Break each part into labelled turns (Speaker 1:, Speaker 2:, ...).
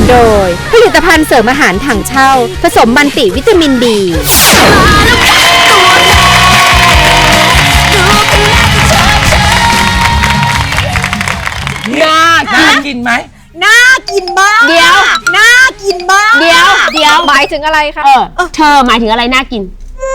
Speaker 1: โดยผลิตภัณฑ์เสริมอาหารถังเช่าผสมมัลติวิตามินดี
Speaker 2: น่ากินไหม
Speaker 3: น่ากินมาก
Speaker 4: เดี๋ยว
Speaker 3: น่ากินมาก
Speaker 4: เดี๋ยวหมายถึงอะไรคะเธอหมายถึงอะไรน่ากิน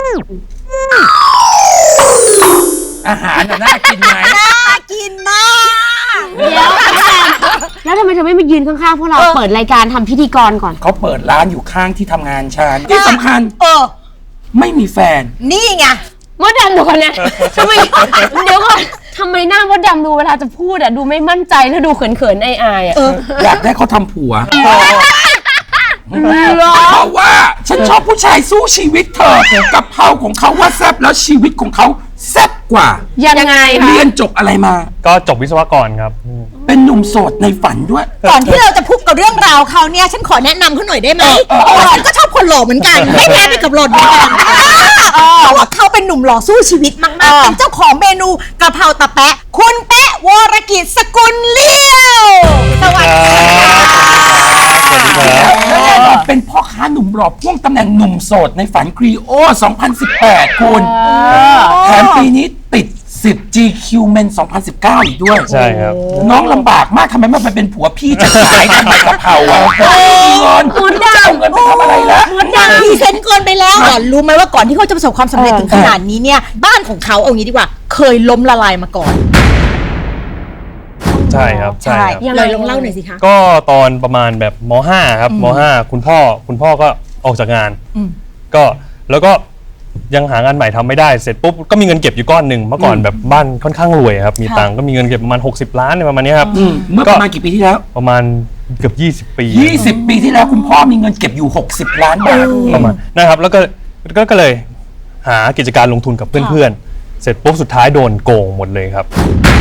Speaker 2: อาหารน่ากินไหม
Speaker 3: น่ากินมาก
Speaker 4: เดี๋ยวแล้วทำไมเธอไม่มายืนข้างๆพวกเราเปิดรายการทำพิธีกรก่อน
Speaker 2: เขาเปิดร้านอยู่ข้างที่ทำงานฉันที่สำคัญไม่มีแฟน
Speaker 3: นี่ไง
Speaker 4: มดดำดูคนนะทำไมเดี๋ยวก่อนทำไมหน้ามดดำดูเวลาจะพูดดูไม่มั่นใจแล้วดูเขินๆอายๆ
Speaker 2: อยากได้เขาทำผัวเพราะว่าฉันชอบผู้ชายสู้ชีวิตเธอกะเพราของเขาว่าแซ่บแล้วชีวิตของเขาแซ่บกว่า
Speaker 4: ยังไงคะ
Speaker 2: เรียนจบอะไรมา
Speaker 5: ก็จบวิศวกรครับ
Speaker 2: เป็นหนุ่มโสดในฝันด้วย
Speaker 3: ก่อนที่เราจะพูดกับเรื่องราวเขาเนี่ยฉันขอแนะนำเขาหน่อยได้ไหมฉันก็ชอบคนหล่อเหมือนกันไม่แพ้ไปกับหล่อนเหมือนกันเพราะว่าเขาเป็นหนุ่มหล่อสู้ชีวิตมากๆเป็นเจ้าของเมนูกะเพราตะแปะคุณแปะวรกิจสกุลเลี้ยวสวัสดี
Speaker 2: ครับเป็นพ่อค้าหนุ่มหล่อพ่วงตำแหน่งหนุ่มโสดในฝันครีโอ 2018 คุณแถมปีนี้ติด10 GQ Men 2019 อีกด้วย
Speaker 5: ใช่ครับ
Speaker 2: น้องลำบากมากทำไมไม่ไปเป็นผัวพี่จะขายทำไมกะเพราอ่ะเงิน
Speaker 3: มดดำ
Speaker 2: เงินไปทำอะไรละ
Speaker 3: มดดำพรีเซนต์เกินไปแล้วรู้ไหมว่าก่อนที่เขาจะประสบความสำเร็จถึงขนาดนี้เนี่ยบ้านของเขาเอางี้ดีกว่าเคยล้มละลายมาก่อน
Speaker 5: ใช่ครับใช่
Speaker 3: เลยลองเล่าหน่อยสิคะ
Speaker 5: ก็ตอนประมาณแบบม.5 ครับม.5 คุณพ่อก็ออกจากงานก็แล้วก็ยังหางานใหม่ทำไม่ได้เสร็จปุ๊บก็มีเงินเก็บอยู่ก้อนหนึ่งเมื่อก่อนแบบบ้านค่อนข้างรวยครับมีตังค์ก็มีเงินเก็บประมาณ60 ล้านประมาณนี้ครับ
Speaker 2: เมื่อประมาณกี่ปีที่แล้ว
Speaker 5: ประมาณเกือบ20 ปี
Speaker 2: 20 ปีที่แล้วคุณพ่อมีเงินเก็บอยู่60 ล้านบาท
Speaker 5: ประมาณนะครับแล้วก็เลยหากิจการลงทุนกับเพื่อนๆเสร็จปุ๊บสุดท้ายโดนโกงหมดเลยครับ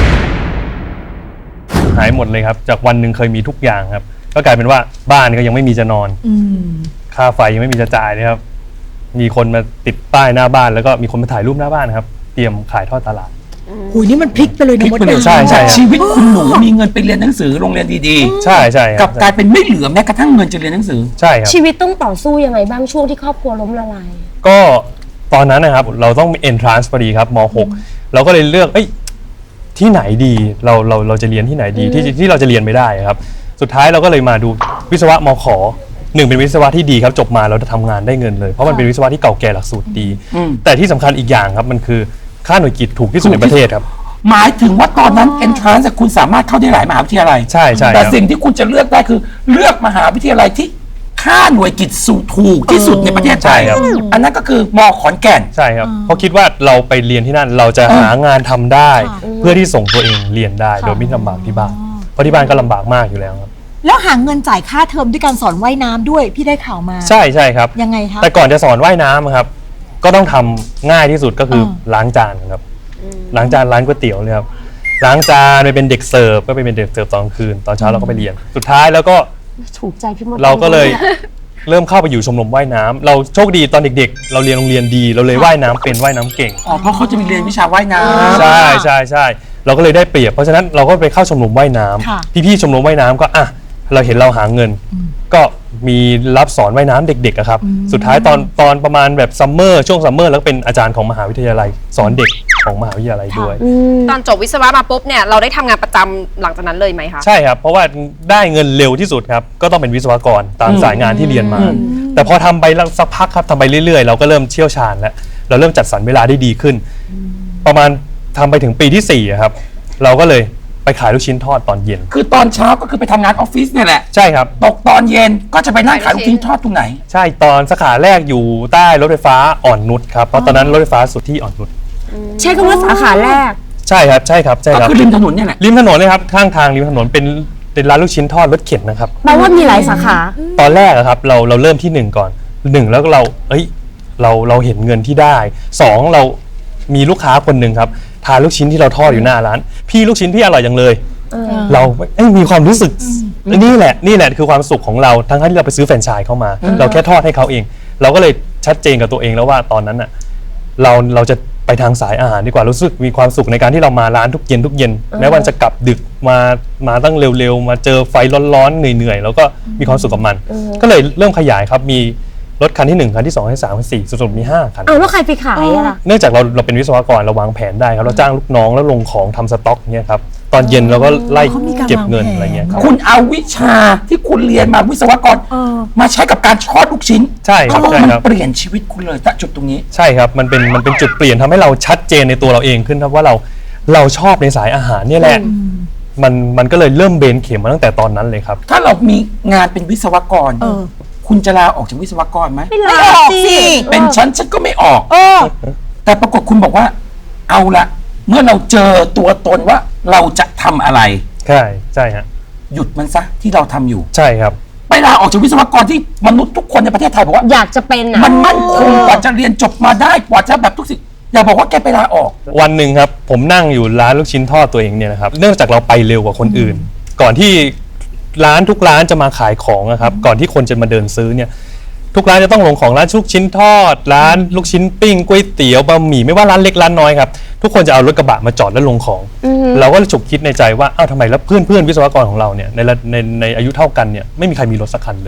Speaker 5: หายหมดเลยครับจากวันหนึ่งเคยมีทุกอย่างครับก็กลายเป็นว่าบ้านก็ยังไม่มีจะนอนค่าไฟยังไม่มีจะจ่ายนะครับมีคนมาติดป้ายหน้าบ้านแล้วก็มีคนมาถ่ายรูปหน้าบ้านครับเตรียมขายทอดตลาด
Speaker 3: หูยนี่มันพลิกไปเลยนะมดดำ
Speaker 5: ใช่
Speaker 2: ชีวิตคุณหนูมีเงินไปเรียนหนังสือโรงเรียนดี
Speaker 5: ๆใช่
Speaker 2: กับกลายเป็นไม่เหลือแม้กระทั่งเงินจะเรียนหนังสือ
Speaker 5: ใช่ครับ
Speaker 4: ชีวิตต้องต่อสู้ยังไงบ้างช่วงที่ครอบครัวล้มละลาย
Speaker 5: ก็ตอนนั้นนะครับเราต้องมี entrance พอดีครับม.6 เราก็เลยเลือกที่ไหนดีเราจะเรียนที่ไหนดีที่เราจะเรียนไม่ได้ครับสุดท้ายเราก็เลยมาดูวิศวะมข.หนึ่งเป็นวิศวะที่ดีครับจบมาเราจะทำงานได้เงินเลยเพราะมันเป็นวิศวะที่เก่าแก่หลักสูตรดีแต่ที่สำคัญอีกอย่างครับมันคือค่าหน่วยกิตถูกที่สุดในประเทศครับ
Speaker 2: หมายถึงว่าตอนนั้น entrance คุณสามารถเข้าได้หลายมหาวิทยาลัย
Speaker 5: ใช่
Speaker 2: แต่สิ่งที่คุณจะเลือกได้คือเลือกมหาวิทยาลัยที่ค่าหน่วยกิตสูงถูกที่สุดในประเทศไทยอันนั้นก็คือม.ขอนแก่น
Speaker 5: ใช่ครับเพราะคิดว่าเราไปเรียนที่นั่นเราจะหางานทำได้เพื่อที่ส่งตัวเองเรียนได้โดยไม่ลำบากที่บ้านเพราะที่บ้านก็ลำบากมากอยู่แล้วครับ
Speaker 3: แล้วหาเงินจ่ายค่าเทอมด้วยการสอนว่ายน้ำด้วยพี่ได้ข่าวมา
Speaker 5: ใช่ครับ
Speaker 3: ยังไงคะ
Speaker 5: แต่ก่อนจะสอนว่ายน้ำครับก็ต้องทำง่ายที่สุดก็คือล้างจานครับล้างจานร้านก๋วยเตี๋ยวเลยครับล้างจานไปเป็นเด็กเสิร์ฟก็ไปเป็นเด็กเสิร์ฟตอนคืนตอนเช้าเราก็ไปเรียนสุดท้ายแล้วก็
Speaker 4: ถูกใจพี่มด
Speaker 5: เราก็เลยเริ่มเข้าไปอยู่ชมรมว่ายน้ำเราโชคดีตอนเด็กๆเราเรียนโรงเรียนดีเราเลยว่ายน้ำเป็นว่ายน้ำเก่ง
Speaker 2: เพราะเขาจะมีเรียนวิชาว่ายน้
Speaker 5: ำใช่เราก็เลยได้เปรียบเพราะฉะนั้นเราก็ไปเข้าชมรมว่ายน้ำพี่ๆชมรมว่ายน้ำก็เราเห็นเราหาเงินก็มีรับสอนว่ายน้ำเด็กๆครับสุดท้ายตอนประมาณแบบซัมเมอร์ช่วงซัมเมอร์แล้วเป็นอาจารย์ของมหาวิทยาลัยสอนเด็กของมหาวิทยาลัยด้วย
Speaker 6: ตอนจบวิศวะมาปุ๊บเนี่ยเราได้ทำงานประจำหลังจากนั้นเลยไหมคะ
Speaker 5: ใช่ครับเพราะว่าได้เงินเร็วที่สุดครับก็ต้องเป็นวิศวกรตามสายงานที่เรียนมาแต่พอทำไปสักพักครับทำไปเรื่อยๆเราก็เริ่มเชี่ยวชาญแล้วเราเริ่มจัดสรรเวลาได้ดีขึ้นประมาณทำไปถึงปีที่4ครับเราก็เลยไปขายลูกชิ้นทอดตอนเย็น
Speaker 2: คือตอนเช้าก็คือไปทำงานออฟฟิศเนี่ยแหละ
Speaker 5: ใช่ครับ
Speaker 2: ตกตอนเย็นก็จะไปนั่งขายลูกชิ้นทอดตรงไหน
Speaker 5: ใช่ตอนสาขาแรกอยู่ใต้รถไฟฟ้าอ่อนนุชครับเพราะตอนนั้นรถไฟฟ้าสุดที่อ่อนนุช
Speaker 4: ใช่คำว่าสาขาแรก
Speaker 5: ใช่ครับ
Speaker 2: ก็คือริมถนนเนี่ยแหละ
Speaker 5: ริมถนนเลยครับข้างทางริมถนนเป็นร้านลูกชิ้นทอดรถเข็นนะครับ
Speaker 4: แปลว่ามีหลายสาขา
Speaker 5: ตอนแรกครับเราเริ่มที่1ก่อน1แล้วเราเห็นเงินที่ได้2เรามีลูกค้าคนหนึ่งครับทานลูกชิ้นที่เราทอดอยู่หน้าร้านพี่ลูกชิ้นพี่อร่อยจังเลยเรามีความรู้สึกนี่แหละคือความสุขของเราทั้งที่เราไปซื้อแฟรนไชส์เข้ามาเราแค่ทอดให้เขาเองเราก็เลยชัดเจนกับตัวเองแล้วว่าตอนนั้นเราจะไปทางสายอาหารดีกว่ารู้สึกมีความสุขในการที่เรามาร้านทุกเย็นแม้วันจะกลับดึกมาตั้งเร็วๆมาเจอไฟร้อนๆเหนื่อยๆแล้วก็มีความสุขกับมัน ก็เลยเริ่มขยายครับมีรถคันที่1คันที่2คันที่3คันที่4สุดๆมี5คัน
Speaker 4: เอาแล้วใครไปขายอะล่ะ
Speaker 5: เนื่องจากเราเป็นวิศวกรเราวางแผนได้ครับเราจ้างลูกน้องแล้วลงของทำสต็อกเนี่ยครับตอนเย็นเราก็ไล่เก็บเงินอะไรเงี้ยครับ
Speaker 2: คุณเอาวิชาที่คุณเรียนมาวิศวกรมาใช้กับการทอดลูกชิ้น
Speaker 5: ใช่ครับ
Speaker 2: เขาบอก
Speaker 5: ใช่
Speaker 2: มัน
Speaker 5: ครับ
Speaker 2: เปลี่ยนชีวิตคุณเลยณจุดตรงนี้
Speaker 5: ใช่ครับมันเป็นจุดเปลี่ยนทำให้เราชัดเจนในตัวเราเองขึ้นครับว่าเราชอบในสายอาหารเนี่ยแหละมันก็เลยเริ่มเบนเข็มมาตั้งแต่ตอนนั้นเลยครับ
Speaker 2: ถ้าเรามีงานเป็นวิศวกรคุณจะลาออกจากวิศวกรไหม
Speaker 3: ไม่ออกสิ
Speaker 2: เป็นฉันก็ไม่ออกแต่ปรากฏคุณบอกว่า เอาละเมื่อเราเจอตัวตนว่าเราจะทำอะไร
Speaker 5: ใช่ฮะ
Speaker 2: หยุดมันซะที่เราทำอยู่
Speaker 5: ใช่ครับ
Speaker 2: ไปลาออกจากวิศวกรที่มนุษย์ทุกคนในประเทศไทยบอกว่า
Speaker 4: อยากจะเป็นอะ
Speaker 2: มันมั่นคงกว่าจะเรียนจบมาได้กว่าจะแบบทุกสิ่งอย่าบอกว่าแกไปลาออก
Speaker 5: วันหนึ่งครับผมนั่งอยู่ร้านลูกชิ้นทอดตัวเองเนี่ยนะครับเนื่องจากเราไปเร็วกว่าคนอื่น ก่อนที่ร้านทุกร้านจะมาขายของนะครับก่อนที่คนจะมาเดินซื้อเนี่ยทุกร้านจะต้องลงของร้านลูกชิ้นทอดร้านลูกชิ้นปิ้งก๋วยเตี๋ยวบะหมี่ไม่ว่าร้านเล็กร้านน้อยครับทุกคนจะเอารถกระบะมาจอดแล้วลงของ เราก็เลยฉุกคิดในใจว่าอ้าวทำไมแล้วเพื่อนวิศวกรของเราเนี่ยในอายุเท่ากันเนี่ยไม่มีใครมีรถสักคันเลย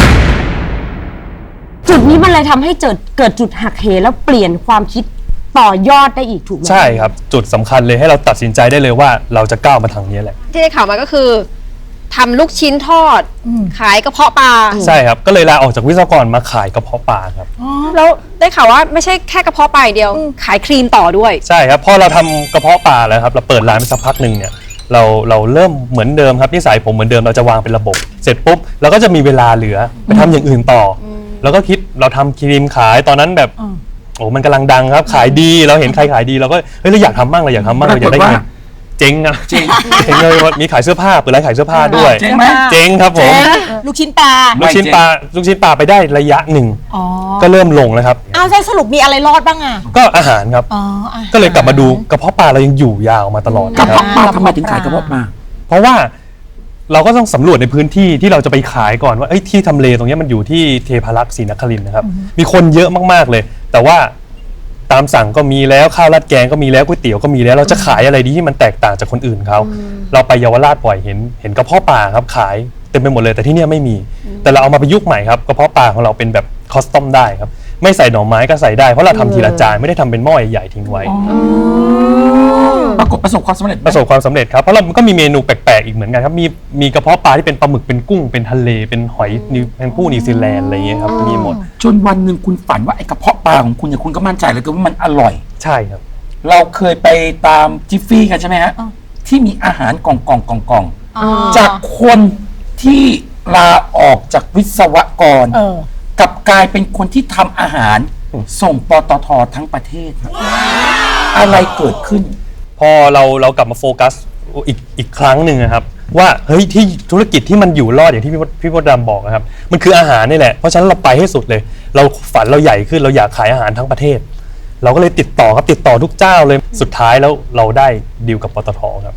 Speaker 4: จุดนี้มันเลยทำให้เกิดจุดหักเหแล้วเปลี่ยนความคิดต่อยอดได้อีกถูกไหม
Speaker 5: ใช่ครับจุดสำคัญเลยให้เราตัดสินใจได้เลยว่าเราจะก้าวมาทางนี้แหละ
Speaker 6: ที่ได้ข่าวมาก็คือทำลูกชิ้นทอด ขายกระเพาะปลา
Speaker 5: ใช่ครับก็เลยลาออกจากวิศวกรมาขายกระเพาะปลาครับ
Speaker 6: แล้วได้ข่าวว่าไม่ใช่แค่กระเพาะปลาอย่างเดียว ขายครีมต่อด้วย
Speaker 5: ใช่ครับพอเราทำกระเพาะปลาแล้วครับเราเปิดร้านไปสักพักหนึ่งเนี่ยเราเริ่มเหมือนเดิมครับนิสัยผมเหมือนเดิมเราจะวางเป็นระบบ เสร็จปุ๊บเราก็จะมีเวลาเหลือไปทำอย่างอื่นต่ออแล้วก็คิดเราทำครีมขายตอนนั้นแบบโอ้มันกำลังดังครับขายดีเราเห็นใครขายดีเราก็เฮ้ยเราอยากทำบ้างเราอยากทำบ้างเราอยากได้เงินเจ๊งอะเจ๊งเลยมีขายเสื้อผ้าเปิดร้านขายเสื้อผ้าด้วย
Speaker 2: เจ๊งไหม
Speaker 5: เจ๊งครับผม
Speaker 3: ลูกชิ้นปลา
Speaker 5: ลูกชิ้นปลาไปได้ระยะหนึ่งก็เริ่มลงแล้วครับ
Speaker 3: เอาใช่สรุปมีอะไรรอดบ้างอ่ะ
Speaker 5: ก็อาหารครับ ก็เลยกลับมาดูกระเพาะปลาเรายังอยู่ยาวมาตลอด
Speaker 2: กระ
Speaker 5: นะครับ
Speaker 2: เพาะปลาทำไมถึงขายกระเพาะปลา
Speaker 5: เพราะว่าเราก็ต้องสำรวจในพื้นที่ที่เราจะไปขายก่อนว่าที่ทำเลตรงนี้มันอยู่ที่เทพารักษ์ศรีนครินทร์นะครับมีคนเยอะมากๆเลย แต่ว่าตามสั่งก็มีแล้วข้าวราดแกงก็มีแล้วก๋วยเตี๋ยวก็มีแล้วเราจะขายอะไรดีที่มันแตกต่างจากคนอื่นเขาเราไปเยาวราชบ่อยเห็นกระเพาะปลาครับขายเต็มไปหมดเลยแต่ที่เนี่ยไม่มี แต่เราเอามาประยุกต์ใหม่ครับกระเพาะปลาของเราเป็นแบบคอสตอมได้ครับไม่ใส่หน่อไม้ก็ใส่ได้เพราะเราทำทีละจานไม่ได้ทำเป็นหม้อใหญ่ๆทิ้งไว้
Speaker 2: ปรากฏประสบความสำเร็จไหม
Speaker 5: ประสบความสำเร็จครับเพราะเราก็มีเมนูแปลกๆอีกเหมือนกันครับมีกระเพาะปลาที่เป็นปลาหมึกเป็นกุ้งเป็นทะเลเป็นหอยแมงผู้นิวซีแลนด์อะไรอย่างเงี้ยครับมีหมด
Speaker 2: จนวันหนึ่งคุณฝันว่าไอ้กระเพาะปลาของคุณเนี่ยคุณก็มั่นใจเลยว่ามันอร่อย
Speaker 5: ใช่ครับ
Speaker 2: เราเคยไปตามจิฟฟี่กันใช่ไหมฮะที่มีอาหารกล่องจากคนที่ลาออกจากวิศวกรกลับกลายเป็นคนที่ทำอาหารส่งปตททั้งประเทศครับอะไรเกิดขึ้น
Speaker 5: พอเรากลับมาโฟกัสอีกครั้งหนึ่งนะครับว่าเฮ้ยที่ธุรกิจที่มันอยู่รอดอย่างที่พี่มดดำบอกนะครับมันคืออาหารนี่แหละเพราะฉะนั้นเราไปให้สุดเลย เราฝันเราใหญ่ขึ้นเราอยากขายอาหารทั้งประเทศ เราก็เลยติดต่อทุกเจ้าเลยสุดท้ายแล้วเราได้ดีลกับปตทครับ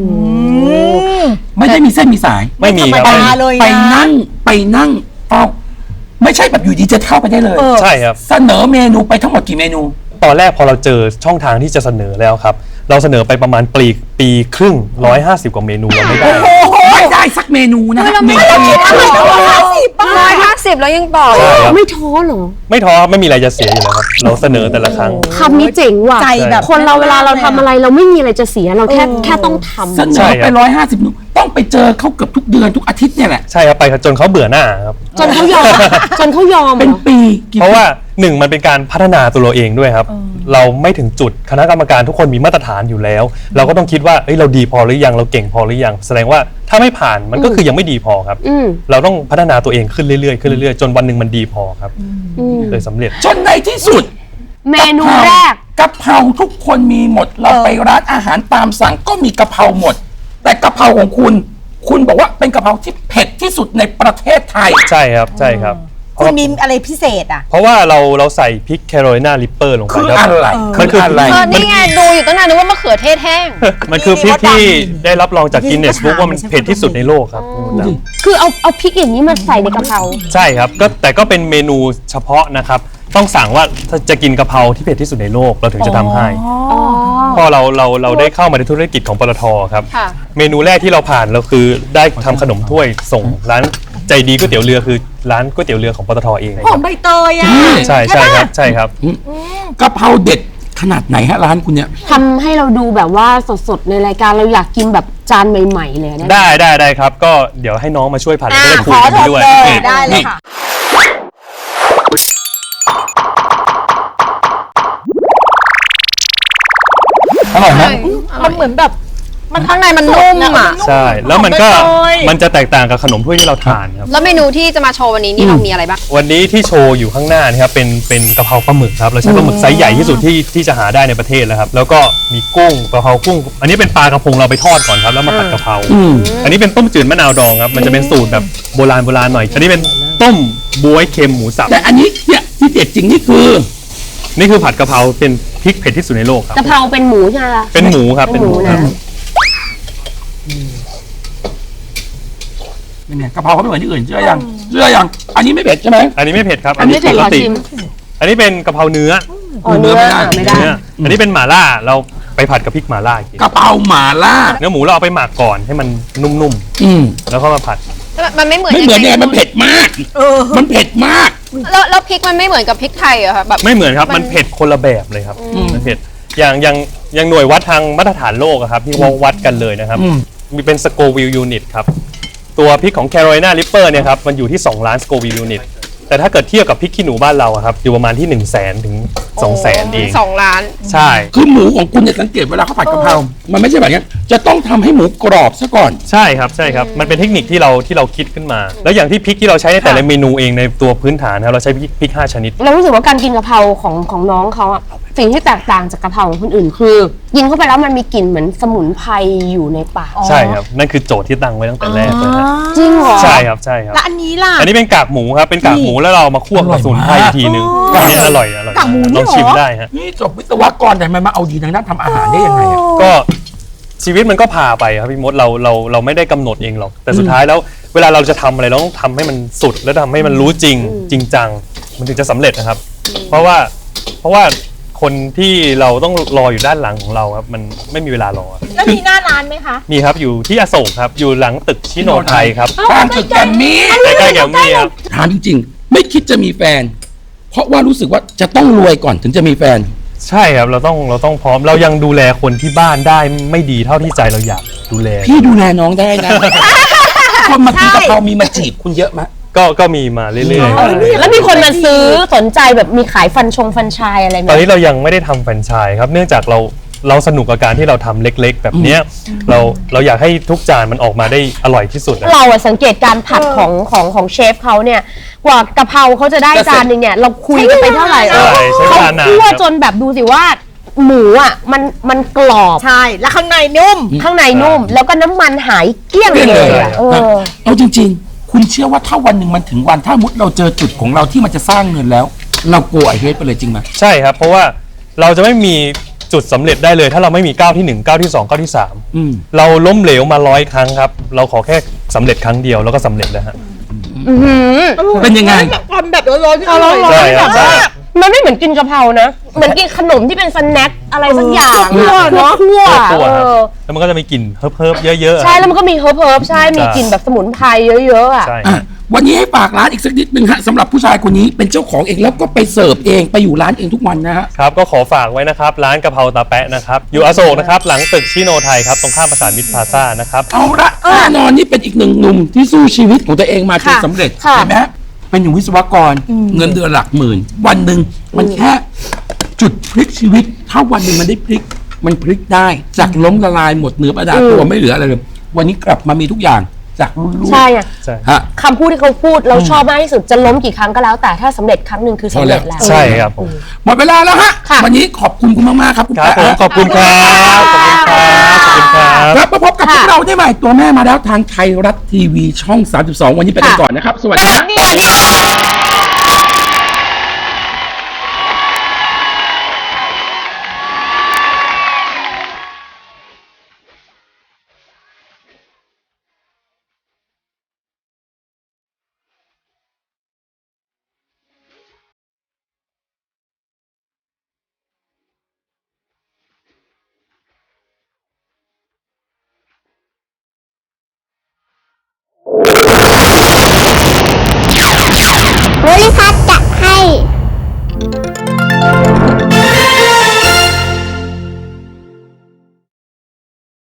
Speaker 2: ไม่ได้มีเส้นมีสาย
Speaker 5: ไม่มีครับ
Speaker 3: ธรรมดาเลยนะ
Speaker 2: ไปนั่งเฝ้าไม่ใช่แบบอยู่ดีจะเข้าไปได้เลย
Speaker 5: ใช่ครับ
Speaker 2: เสนอเมนูไปทั้งหมดกี่เมนู
Speaker 5: ตอนแรกพอเราเจอช่องทางที่จะเสนอแล้วครับเราเสนอไปประมาณปีครึ่ง150กว่าเมนูเราไม่ได้
Speaker 2: ไม่ได้สักเมนูนะฮะเมนู
Speaker 6: 150 แล้วยังต่อ
Speaker 5: ใช่ครับ
Speaker 4: ไม่ท้อเหรอ
Speaker 5: ไม่ท้อไม่มีอะไรจะเสียอยู่แล้วครับเราเสนอแต่ละครั้ง
Speaker 4: คำนี้เจ๋งว่ะ
Speaker 3: ใจแบบ
Speaker 4: คนเราเวลาเราทำอะไรเราไม่มีอะไรจะเสียเราแค่ต้องทำ
Speaker 2: เสน
Speaker 5: ใช่
Speaker 2: อ
Speaker 5: ค
Speaker 2: ไป
Speaker 5: รับ
Speaker 2: 150เมนูต้องไปเจอเขาเกือบทุกเดือนทุกอาทิตย์เนี่ยแหละ
Speaker 5: ใช่ครับไปจนเขาเบื่อหน้าครับ
Speaker 4: จนเขายอมเหร
Speaker 2: เป็น
Speaker 4: อ
Speaker 2: ปีกี่
Speaker 5: เพราะว่าหนึ่งมันเป็นการพัฒนาตัวเราเองด้วยครับ เราไม่ถึงจุดคณะกรรมการทุกคนมีมาตรฐานอยู่แล้ว เราก็ต้องคิดว่าเอ้ยเราดีพอหรือยังเราเก่งพอหรือยังแสดงว่าถ้าไม่ผ่านมันก็คือยังไม่ดีพอครับ เราต้องพัฒนาตัวเองขึ้นเรื่อยๆจนวันหนึ่งมันดีพอครับเลยสำเร็จ
Speaker 2: จนในที่สุด
Speaker 4: เมนูแรก
Speaker 2: กะเพราทุกคนมีหมดเราไปร้านอาหารตามสั่งก็มีกะเพราหมด แต่กะเพราของคุณบอกว่าเป็นกะเพราที่เผ็ดที่สุดในประเทศไทย
Speaker 5: ใช่ครับใช่ครับ
Speaker 3: คุณมีอะไรพิเศษอ่ะ
Speaker 5: เพราะว่าเราใส่พริกแคโรไลนาริปเปอร์ลงไป
Speaker 2: คือ
Speaker 5: ครับ
Speaker 2: อะไร
Speaker 5: มันคืออะไร
Speaker 6: นี่ไงดูอยู่ตั้งนานนึกว่ามะเขือเทศแห้ง
Speaker 5: มันคือพริกที่ได้รับรองจาก
Speaker 3: ยิ่
Speaker 5: กิน
Speaker 3: ง
Speaker 5: เนสบุ๊กว่ามัน
Speaker 3: ก็ถาม
Speaker 5: เผ็ดที่สุดในโลกครับ
Speaker 4: คือเอาพริกอย่างนี้มาใส่ในกะเพรา
Speaker 5: ใช่ครับแต่ก็เป็นเมนูเฉพาะนะครับต้องสั่งว่าถ้าจะกินกะเพราที่เผ็ดที่สุดในโลกเราถึงจะทำให้พอเราได้เข้ามาในธุรกิจของปตทครับ
Speaker 6: ค่ะ
Speaker 5: เมนูแรกที่เราผ่านเราคือได้ทำขนมถ้วยส่งร้านใจดีก๋วยเตี๋ยวเรือคือร้านก๋วยเตี๋ยวเรือของปตทเอง
Speaker 3: หอมใบเตยอ่ะ
Speaker 5: ใช่ครับใช่ครับ
Speaker 2: กะเพราเด็ดขนาดไหนฮะร้านคุณเนี่ย
Speaker 4: ทำให้เราดูแบบว่าสดๆในรายการเราอยากกินแบบจานใหม่ๆเลยนะ
Speaker 5: ได้ครับก็เดี๋ยวให้น้องมาช่วยผัดแล้วก็ได้คุย
Speaker 3: ขอ
Speaker 5: กัน
Speaker 3: ท
Speaker 5: ไป
Speaker 3: ด
Speaker 5: ด้วย
Speaker 3: เลยได้เลยค่ะ
Speaker 2: อร่อยไหม
Speaker 3: มันเหมือนแบบมันข้างในมันนุ่มอ่ะ
Speaker 5: ใช่แล้วมันก็
Speaker 3: หอมใบเตย
Speaker 5: มันจะแตกต่างกับขนมถ้วยที่เราทานครับ
Speaker 6: แล้วเมนูที่จะมาโชว์วันนี้นี่เรามีอะไรบ้าง
Speaker 5: วันนี้ที่โชว์อยู่ข้างหน้านี่ครับเป็นกะเพราปลาหมึกครับเราใช้ปลาหมึกไซส์ใหญ่ที่สุดที่จะหาได้ในประเทศแล้วครับแล้วก็มีกุ้งกะเพรากุ้ง อันนี้เป็นปลากระพงเราไปทอดก่อนครับแล้วมาผัดกะเพรา อันนี้เป็นต้มจืดมะนาวดองครับมันจะเป็นสูตรแบบโบราณหน่อย อันนี้เป็นต้มบ๊วยเค็มหมูสับ
Speaker 2: แต่อันนี้เนี่ยที่เด็ดจริงนี่คือ
Speaker 5: นี่คือผัดกะเพราเป็นพริกเผ็ดที่สุดในโลกครับ
Speaker 4: กะเพราเป็นหมูใช่ไหมคะ
Speaker 5: เป็นหมูครับเป็นหมู
Speaker 4: นะ
Speaker 2: เป็นไงกะเพราเขาไม่เหมือนที่อื่นเชื่อยังอันนี้ไม่เผ็ดใช่ไหม
Speaker 5: อันนี้ไม่เผ็ดครับ
Speaker 2: อันนี้
Speaker 5: ปกติอันนี้เป็นกะเพรานุ่ม
Speaker 4: อ๋อเนื้อไม่ได้
Speaker 5: เนื้ออันนี้เป็นหม่าล่าเราไปผัดกับพริกหม่าล่าอีกที
Speaker 2: กะเพราหม่าล่า
Speaker 5: เนื้อหมูเราเอาไปหมักก่อนให้มันนุ่มๆแล้วก็มาผัด
Speaker 6: มันไม่เหมือน
Speaker 2: ไม่เหมือนยังไงมันเผ็ดมากมันเผ็ดมาก
Speaker 6: แล้วพริกมันไม่เหมือนกับพริกไทยเหรอคะแบบ
Speaker 5: ไม่เหมือนครับมันเผ็ดคนละแบบเลยครับมันเผ็ดอย่างหน่วยวัดทางมาตรฐานโลกอะครับที่วัดกันเลยนะครับมีเป็นสโกวิลยูนิตครับตัวพริกของ Carolina Reaper เนี่ยครับมันอยู่ที่2ล้านสโกวิลยูนิตแต่ถ้าเกิดเทียบกับพริกขี้หนูบ้านเราอะครับอยู่ประมาณที่100,000 ถึง 200,000เอง
Speaker 6: 2 ล้าน
Speaker 5: ใช่
Speaker 2: คือหมูของคุณเนี่ยสังเกตเวลาเขาผัดกะเพรา มันไม่ใช่แบบนี้จะต้องทำให้หมูกรอบซะก่อน
Speaker 5: ใช่ครับมันเป็นเทคนิคที่เราคิดขึ้นมา แล้วอย่างที่พริกที่เราใช้ในแต่ละเมนูเองในตัวพื้นฐานครับเราใช้พริก5ชนิด
Speaker 4: เรารู้สึกว่าการกินกะเพราของน้องเขาอะสิ่งที่แตกต่างจากกะเพราของคนอื่นคือกินเข้าไปแล้วมันมีกลิ่นเหมือนสมุนไพรอยู่ในปาก
Speaker 5: ใช่ครับนั่นคือโจทย์ที่ตั้งไว้ตั้งแต่แรกเลยฮะ
Speaker 4: จริงเหรอ
Speaker 5: ใช่ครับ
Speaker 3: แล้วอันนี้ล่ะ
Speaker 5: อันนี้เป็นกากหมูครับเป็นกากหมูแล้วเรามาคั่วกับสมุนไพรอีกทีนึงอันนี้อร่อย
Speaker 3: กากหมูนี่
Speaker 5: ลองชิม
Speaker 3: เหรอ
Speaker 5: ได้ฮะ
Speaker 2: นี่จบวิศวกรแต่ทำไมมาเอาดีทางด้านทำอาหารได้ยังไงอะ
Speaker 5: ก็ชีวิตมันก็พาไปครับพี่มดเราไม่ได้กำหนดเองหรอกแต่สุดท้ายแล้วเวลาเราจะทำอะไรเราต้องทำให้มันสุดแล้วทำให้มันรู้จริงจังมันถึงจะสำเร็จนะครับ เพราะว่าคนที่เราต้องรออยู่ด้านหลังของเราครับมันไม่มีเวลารอ
Speaker 3: แล้วมีหน้าร้านไหมคะ
Speaker 5: มีครับอยู่ที่อโศกครับอยู่หลังตึกชิโนไทยครับ
Speaker 2: ข้างตึกแกรมมี่
Speaker 5: ใกล้ๆแกมมี่ครับ
Speaker 2: ถามจริงๆ ไม่คิดจะมีแฟน เพราะว่ารู้สึกว่าจะต้องรวยก่อนถึงจะมีแฟน
Speaker 5: ใช่ครับเราต้องพร้อมเรายังดูแลคนที่บ้านได้ไม่ดีเท่าที่ใจเราอยากดูแล
Speaker 2: พี่ดูแลน้องได้นะ คนมากินกะเพรามีมาจีบคุณเยอะไหม
Speaker 5: ก็มีมาเรื่อยๆ
Speaker 4: แล้วมีคนมาซื้อสนใจแบบมีขายฟันชายอะไรไหม
Speaker 5: ตอนนี้เรายังไม่ได้ทำแฟรนไชส์ครับเนื่องจากเราสนุกกับการที่เราทำเล็กๆ แบบเนี้ยเราอยากให้ทุกจานมันออกมาได้อร่อยที่สุดนะ
Speaker 4: เราอะสังเกตการผัดของเชฟเขาเนี่ยกว่ากะเพราเขาจะได้จานหนึ่งเนี่ยเราคุยกันไปเท่าไหร่
Speaker 5: ใช่ใช้เว
Speaker 4: เขา
Speaker 5: ลานาน
Speaker 4: คั่ว
Speaker 5: ครับ
Speaker 4: จนแบบดูสิว่าหมูอ่ะมันกรอบ
Speaker 3: ใช่ แล้วข้างในนุ่ม
Speaker 4: ข้างในนุ่ม แล้วก็น้ำมันหายเกลี้ยงเลยอะเออ
Speaker 2: เอาจริงๆ คุณเชื่อว่าถ้าวันหนึ่งมันถึงวันถ้ามุดเราเจอจุดของเราที่มันจะสร้างเงินแล้ว เราโกไอเฮดไปเลยจริงไหม
Speaker 5: ใช่ครับเพราะว่าเราจะไม่มีจุดสำเร็จได้เลยถ้าเราไม่มีก้าวที่1ก้าวที่2ก้าวที่3เราล้มเหลวมา100 ครั้งครับเราขอแค่สำเร็จครั้งเดียวแล้วก็สำเร็จแล้วฮะ
Speaker 2: เป็นยังไง
Speaker 3: ความแบบร้อนๆที่อร่อย
Speaker 5: ใช่ครับใช่
Speaker 4: มันไม่เหมือนกินกะเพรานะ เหมือนกินขนมที่เป็นสแน็คอะไรสักอย่าง
Speaker 3: คั่วเนอะ
Speaker 4: คั่ว
Speaker 5: ตัว
Speaker 4: เอ
Speaker 5: ครับ
Speaker 4: อ
Speaker 5: แล้วมันก็จะมีกลิ่นเฮิร์บๆเยอะๆ
Speaker 4: ใช่แล้วมันก็มีเฮิร์บใช่มีกลิ่นแบบสมุนไพรเยอะๆอ่ะ
Speaker 5: ใช่
Speaker 2: อ่ะวันนี้ให้ฝากร้านอีกสักนิดนึงฮะสำหรับผู้ชายคนนี้เป็นเจ้าของเองแล้วก็ไปเสิร์ฟเองไปอยู่ร้านเองทุกวันนะฮะ
Speaker 5: ครับก็ขอฝากไว้นะครับร้านกะเพราตาแปะนะครับอยู่อโศกนะครับหลังตึกชิโนไทยครับตรงข้ามประสานมิตรพลาซ่านะครับ
Speaker 2: เอาละแน่นอนนี่เป็นอีกหนึ่งหนุ่มที่สู้ชีวิตของตัวเองมาจน
Speaker 4: ค่ะ
Speaker 2: สำเร็จ
Speaker 4: ค่ะ
Speaker 2: เห็นไหมฮะเป็นอยู่วิศวกรเงินเดือนหลักหมื่น วันหนึ่งมันแค่จุดพลิกชีวิต ถ้าวันหนึ่งมันได้พลิกมันพลิกได้จากล้มละลายหมดเนื้อประดาตัวไม่เหลืออะไรเลยวันนี้กลับมามีทุกอย่างจากรุ่นลูก
Speaker 4: ใช่อะ
Speaker 5: ใช่
Speaker 2: ฮะ
Speaker 4: คำพูดที่เขาพูดเราชอบมากที่สุดจะล้มกี่ครั้งก็แล้ว แต่ถ้าสำเร็จครั้งหนึ่งคือสำเร็จแล้ว
Speaker 5: ใช่ครับผม
Speaker 2: หมดเวลาแล้วฮะ
Speaker 4: ค่ะ
Speaker 2: วันนี้ขอบคุณคุณมากๆครับคุณ
Speaker 5: ครับ
Speaker 2: แป๊ะ
Speaker 5: ผม
Speaker 2: ฮะ
Speaker 5: ขอบคุณครับขอบคุณครับขอบคุณครับ
Speaker 2: ครับมาพบกับพวกเราได้ใหม่ตัวแม่มาแล้วทางไทยรัฐทีวีช่อง 32 วันนี้ไปกันก่อนนะครับ สวัสดีครับ
Speaker 3: สวัสดีค่ะ